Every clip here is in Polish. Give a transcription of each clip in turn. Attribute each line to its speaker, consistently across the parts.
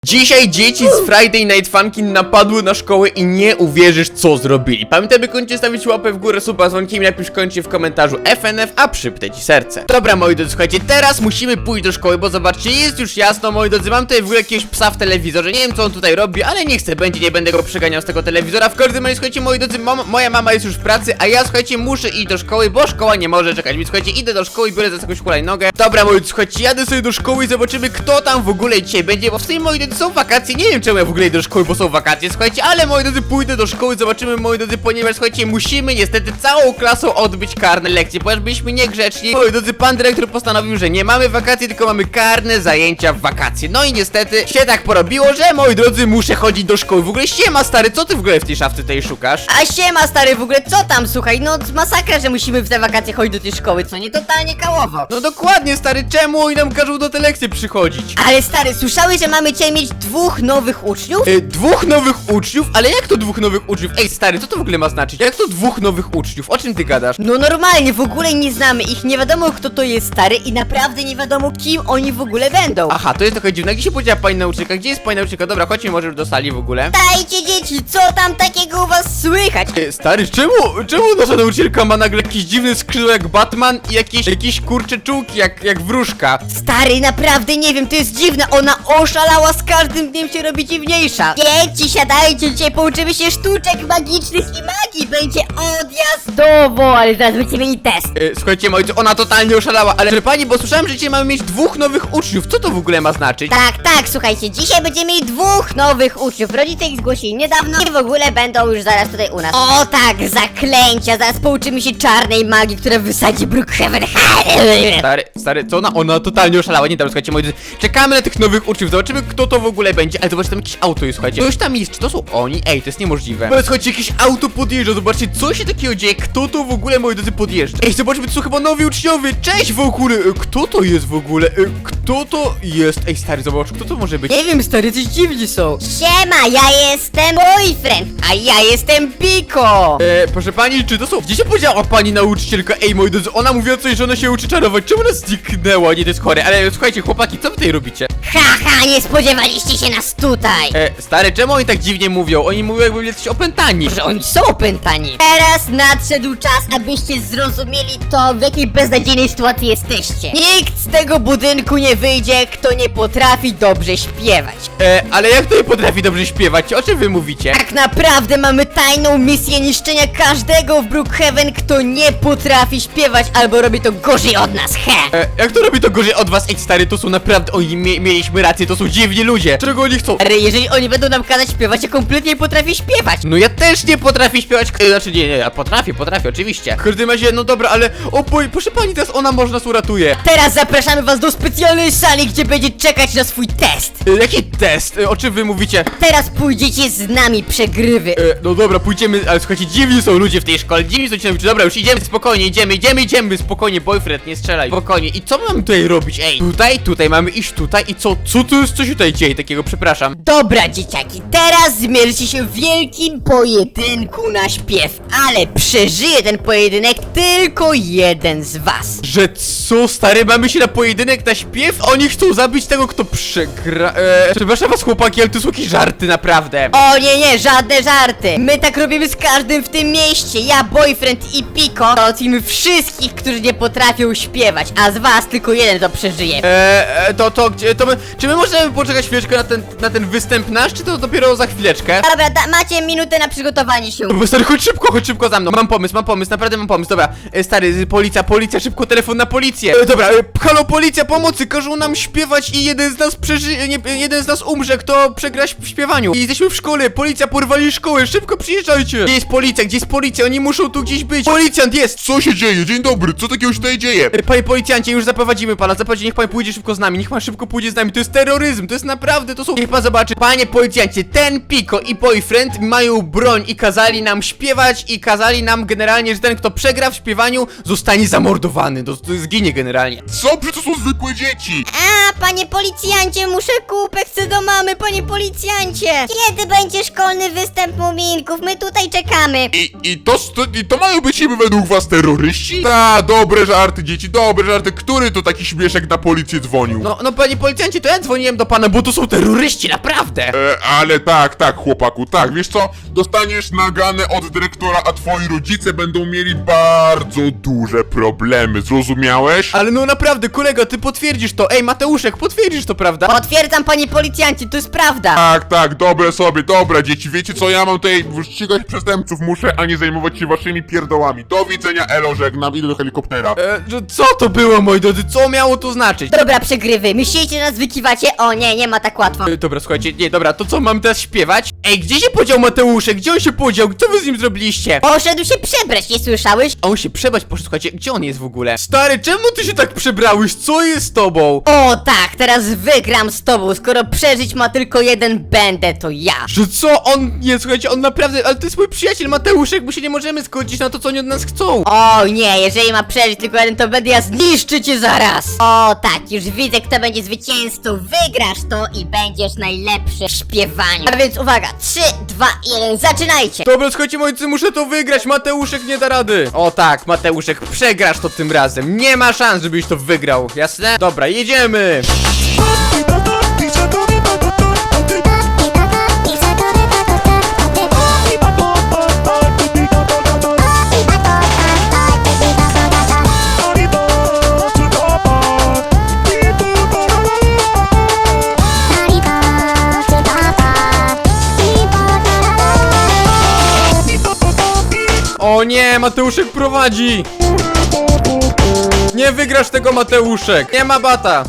Speaker 1: Dzisiaj dzieci z Friday Night Funkin napadły na szkołę i nie uwierzysz, co zrobili. Pamiętaj, by koniecznie stawić łapę w górę, suba z dzwonkiem, napisz koniecznie w komentarzu FNF, a przypnę ci serce. Dobra, moi drodzy, słuchajcie, teraz musimy pójść do szkoły, bo zobaczcie, jest już jasno, moi drodzy, mam tutaj w ogóle jakiegoś psa w telewizorze, nie wiem, co on tutaj robi, ale niech se będzie, nie będę go przeganiał z tego telewizora. W każdym razie, słuchajcie, moi drodzy, moja mama jest już w pracy, a ja, słuchajcie, muszę iść do szkoły, bo szkoła nie może czekać, więc słuchajcie, idę do szkoły i biorę za jakąś hulajnogę. Dobra, moi drodzy, słuchajcie, jadę sobie do szkoły i zobaczymy, kto tam w ogóle dzisiaj będzie, bo w sumie, moi drodzy, są wakacje, nie wiem, czemu ja w ogóle idę do szkoły, bo są wakacje, słuchajcie, ale, moi drodzy, pójdę do szkoły, zobaczymy, moi drodzy, ponieważ, słuchajcie, musimy niestety całą klasą odbyć karne lekcje, ponieważ byliśmy niegrzeczni. Moi drodzy, pan dyrektor postanowił, że nie mamy wakacji, tylko mamy karne zajęcia w wakacje. No i niestety się tak porobiło, że, moi drodzy, muszę chodzić do szkoły. W ogóle siema, stary, co ty w ogóle w tej szafce tej szukasz?
Speaker 2: A siema stary, w ogóle co tam, słuchaj, no masakra, że musimy w te wakacje chodzić do tej szkoły, co nie, totalnie kałowo.
Speaker 1: No dokładnie, stary, czemu oni nam każą do te lekcje przychodzić?
Speaker 2: Ale stary, słyszałeś, że mamy dzisiaj mieć dwóch nowych uczniów?
Speaker 1: Dwóch nowych uczniów? Ale jak to dwóch nowych uczniów? Ej, stary, co to w ogóle ma znaczyć? Jak to dwóch nowych uczniów? O czym ty gadasz?
Speaker 2: No normalnie, w ogóle nie znamy ich, nie wiadomo kto to jest stary i naprawdę nie wiadomo kim oni w ogóle będą.
Speaker 1: Aha, to jest trochę dziwne. Gdzie się podziała pani nauczycielka? Gdzie jest pani nauczycielka? Dobra, chodźmy może już do sali w ogóle.
Speaker 2: Dajcie dzieci, co tam takiego u was słychać?
Speaker 1: Stary, czemu nasza nauczycielka ma nagle jakieś dziwne skrzydła jak Batman i jakieś kurcze czułki jak wróżka?
Speaker 2: Stary, naprawdę nie wiem, to jest dziwne, ona oszalała, z każdym dniem się robi dziwniejsza. Dzieci, siadajcie, dzisiaj pouczymy się sztuczek magicznych i magii, będzie odjazdowo, ale zaraz będziemy mieli test.
Speaker 1: Słuchajcie, moi drodzy, ona totalnie oszalała, ale że pani, bo słyszałem, że dzisiaj mamy mieć dwóch nowych uczniów. Co to w ogóle ma znaczyć?
Speaker 2: Tak, słuchajcie, dzisiaj będziemy mieli dwóch nowych uczniów. Rodzice ich zgłosili niedawno i w ogóle będą już zaraz tutaj u nas. O tak, zaklęcia, zaraz pouczymy się czarnej magii, która wysadzi Brookhaven.
Speaker 1: Stary, co ona totalnie oszalała. Nie, dobra, słuchajcie, moi drodzy, czekamy na tych nowych uczniów, zobaczymy, kto to w ogóle będzie. Ale zobaczcie, tam jakieś auto jest, słuchajcie. Ktoś tam jest, czy to są oni? Ej, to jest niemożliwe. Ale słuchajcie, jakieś auto podjeżdża, zobaczcie, co się takiego dzieje, kto to w ogóle, moi drodzy, podjeżdża. Ej, zobaczmy, to są chyba nowi uczniowie. Cześć w ogóle, kto to jest w ogóle? Kto to jest? Ej, stary, zobacz, kto to może być?
Speaker 2: Nie wiem, stary, coś dziwni są. Siema, ja jestem boyfriend, a ja jestem Piko.
Speaker 1: Proszę pani, czy to są... Gdzie się podziała pani nauczycielka? Ej, moi drodzy, ona mówiła coś, że ona się uczy czarować. Czemu ona zniknęła? Nie, to jest chore. Ale słuchajcie, chłopaki, co wy tutaj robicie?
Speaker 2: Haha, nie spodziewaliście się nas tutaj.
Speaker 1: Stary, czemu oni tak dziwnie mówią? Oni mówią, jakby byli jacyś opętani.
Speaker 2: Że oni są opętani. Teraz nadszedł czas, abyście zrozumieli to, w jakiej beznadziejnej sytuacji jesteście. Nikt z tego budynku nie wyjdzie, kto nie potrafi dobrze śpiewać.
Speaker 1: Ale jak to nie potrafi dobrze śpiewać? O czym wy mówicie?
Speaker 2: Tak naprawdę mamy tajną misję niszczenia każdego w Brookhaven, kto nie potrafi śpiewać albo robi to gorzej od nas, he!
Speaker 1: Jak to robi to gorzej od was? Ej, stary, to są naprawdę... Oni mieliśmy rację, to są dziwni ludzie. Czego oni chcą?
Speaker 2: Ale jeżeli oni będą nam kazać śpiewać, ja kompletnie nie potrafię śpiewać.
Speaker 1: No ja też nie potrafię śpiewać, znaczy nie, ja potrafię, oczywiście. W każdym razie, no dobra, ale proszę pani, teraz ona może nas uratuje.
Speaker 2: Teraz zapraszamy was do specjalnej sali, gdzie będzie czekać na swój test.
Speaker 1: Jaki test? O czym wy mówicie?
Speaker 2: Teraz pójdziecie z nami, przegrywy.
Speaker 1: No dobra, pójdziemy, ale słuchajcie, dziwni są ludzie w tej szkole, dziwni są ci nauczyciele. Dobra, już idziemy, spokojnie, idziemy, spokojnie, boyfriend, nie strzelaj, spokojnie. I co my mamy tutaj robić? Ej, tutaj mamy iść tutaj i co to jest, co się tutaj dzieje takiego, przepraszam.
Speaker 2: Dobra, dzieciaki, teraz zmierzycie się w wielkim pojedynku na śpiew, ale przeżyje ten pojedynek tylko jeden z was.
Speaker 1: Że co, stary, mamy się na pojedynek, na śpiew? Oni chcą zabić tego, kto przegra... Przepraszam was, chłopaki, ale to są jakieś żarty, naprawdę.
Speaker 2: O nie, żadne żarty. My tak robimy z każdym w tym mieście. Ja, boyfriend i Piko załatwimy wszystkich, którzy nie potrafią śpiewać, a z was tylko jeden to przeżyje.
Speaker 1: Czy my możemy poczekać chwileczkę na ten występ nasz, czy to dopiero za chwileczkę?
Speaker 2: Dobra, macie minutę na przygotowanie się.
Speaker 1: Bo stary, chodź szybko za mną. Mam pomysł, naprawdę mam pomysł. Dobra, stary, policja, szybko telefon na policję. Dobra, halo, policja, pomocy, każą nam śpiewać i jeden z nas jeden z nas umrze, kto przegra w śpiewaniu. I jesteśmy w szkole, policja porwali szkołę, szybko przyjeżdżajcie. Gdzie jest policja, oni muszą tu gdzieś być. Policjant jest!
Speaker 3: Co się dzieje? Dzień dobry, co takiego się tutaj dzieje?
Speaker 1: Panie policjancie, już zaprowadzimy pana, niech pan pójdzie szybko z nami, niech pan szybko pójdzie z nami, to jest terroryzm, to jest naprawdę, to są... Niech pan zobaczy, panie policjancie, ten Piko i boyfriend mają broń i kazali nam śpiewać i kazali nam generalnie, że ten, kto przegra w śpiewaniu, zostanie zamordowany, to zginie generalnie.
Speaker 3: Co? Przecież to są zwykłe dzieci!
Speaker 2: A, panie policjancie, muszę kupę, chcę do mamy, panie policjancie. Kiedy będzie szkolny występ muminków? My tutaj czekamy.
Speaker 3: I to mają być niby według was terroryści? Dobre żarty, dzieci, dobre żarty. Który to taki śmieszek na policję dzwonił?
Speaker 1: No panie policjancie, to ja dzwoniłem do pana, bo to są terroryści, naprawdę!
Speaker 3: Ale tak, chłopaku, tak, wiesz co? Dostaniesz naganę od dyrektora, a twoi rodzice będą mieli bardzo duże problemy, zrozumiałeś?
Speaker 1: Ale no naprawdę, kolego, ty potwierdzisz to. Ej, Mateuszek, potwierdzisz to, prawda?
Speaker 2: Potwierdzam, panie policjancie, to jest prawda.
Speaker 3: Tak, dobra dzieci, wiecie co, ja mam tutaj ścigać przestępców muszę, a nie zajmować się waszymi pierdołami. Do widzenia, elo, żegnam, idę do helikoptera.
Speaker 1: Co to było, moi drodzy? Co miało to znaczyć?
Speaker 2: Dobra, przegrywy, myślicie, że nas wykiwacie? O nie ma tak łatwo.
Speaker 1: Dobra, słuchajcie, nie, dobra, to co, mam teraz śpiewać? Ej, gdzie się podział Mateuszek? Gdzie on się podział? Co wy z nim zrobiliście?
Speaker 2: Poszedł się przebrać, nie słyszałeś?
Speaker 1: A on się przebrać poszedł, słuchajcie, gdzie on jest w ogóle? Stary, czemu ty się tak przebrałeś? Co jest z tobą?
Speaker 2: O tak, teraz wygram z tobą, skoro przeżyć ma tylko jeden, będę to ja.
Speaker 1: Że co? On, nie, słuchajcie, on naprawdę, ale to jest mój przyjaciel Mateuszek, bo się nie możemy zgodzić na to, co oni od nas chcą.
Speaker 2: O nie, jeżeli ma przeżyć tylko jeden, to będę ja zniszczę cię zaraz. O tak, już widzę, kto będzie zwycięzcą. Wygrasz to i będziesz najlepszy w śpiewaniu. A więc uwaga, 3, 2, 1, zaczynajcie.
Speaker 1: Dobra, słuchajcie, moi drodzy, muszę to wygrać, Mateuszek nie da rady. O tak, Mateuszek, przegrasz to tym razem. Nie ma szans, żebyś to wygrał, jasne? Dobra, jedziemy. O nie, Mateuszek prowadzi. Nie wygrasz tego, Mateuszek. Nie ma bata.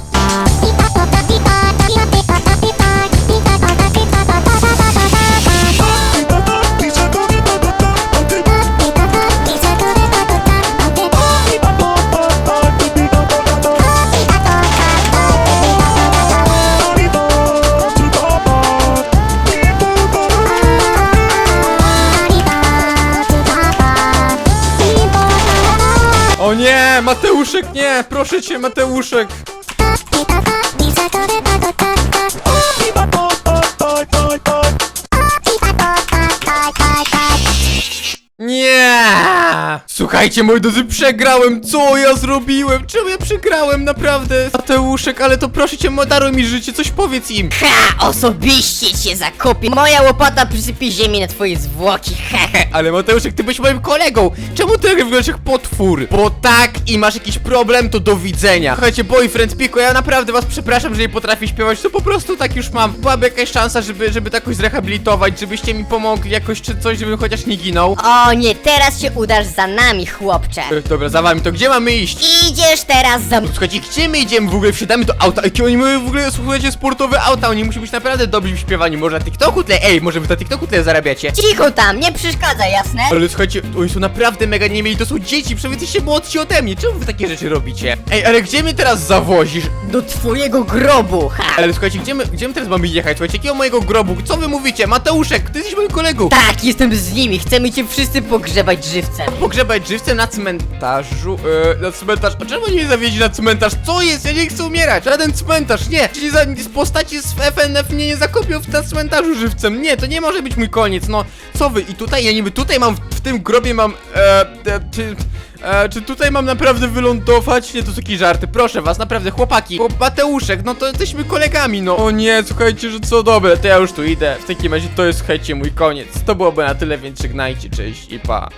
Speaker 1: O nie, Mateuszek, nie, proszę cię, Mateuszek. Nie! Słuchajcie, moi drodzy, przegrałem! Co ja zrobiłem? Czemu ja przegrałem? Naprawdę? Mateuszek, ale to proszę cię, daruj mi życie, coś powiedz im!
Speaker 2: Ha, osobiście cię zakopię. Moja łopata przysypie ziemi na twoje zwłoki. Hehe.
Speaker 1: Ale Mateuszek, ty byłeś moim kolegą! Czemu ty wyglądasz jak potwór? Bo tak i masz jakiś problem, to do widzenia! Słuchajcie, boyfriend Piko, ja naprawdę was przepraszam, że nie potrafię śpiewać, to po prostu tak już mam. Byłaby jakaś szansa, żeby to jakoś zrehabilitować, żebyście mi pomogli jakoś czy coś, żebym chociaż nie ginął.
Speaker 2: O nie, teraz się udasz za nami, chłopcze.
Speaker 1: Dobra, za wami, to gdzie mamy iść?
Speaker 2: Idziesz teraz za mną.
Speaker 1: Słuchajcie, gdzie my idziemy w ogóle? Wsiadamy do auta. Jakie oni mają w ogóle, słuchajcie, sportowe auta. Oni muszą być naprawdę dobrzy w śpiewaniu. Może na TikToku tyle? Ej, może wy na TikToku tyle zarabiacie?
Speaker 2: Cicho tam, nie przeszkadza, jasne?
Speaker 1: Ale słuchajcie, oni są naprawdę mega nie mieli. To są dzieci, przecież jesteście młodsi ode mnie. Czemu wy takie rzeczy robicie? Ej, ale gdzie mnie teraz zawozisz?
Speaker 2: Do twojego grobu, ha.
Speaker 1: Ale słuchajcie, gdzie my teraz mamy jechać? Słuchajcie, jakiego mojego grobu? Co wy mówicie? Mateuszek, ty jesteś moim kolegą.
Speaker 2: Tak, jestem z nimi, chcemy cię wszyscy pogrzebać żywcem.
Speaker 1: Pogrzebać żywcem na cmentarzu, na cmentarz. A czemu nie zawieźli na cmentarz? Co jest? Ja nie chcę umierać. Żaden cmentarz, nie. Czyli z postaci z FNF mnie nie zakopią na cmentarzu żywcem. Nie, to nie może być mój koniec. No, co wy? I tutaj, ja niby tutaj mam, w tym grobie mam, czy tutaj mam naprawdę wylądować? Nie, to są jakieś żarty, proszę was, naprawdę, chłopaki. Bo Mateuszek, no to jesteśmy kolegami, no. O nie, słuchajcie, że co, dobre, to ja już tu idę. W takim razie to jest, słuchajcie, mój koniec. To byłoby na tyle, więc żegnajcie, cześć i pa.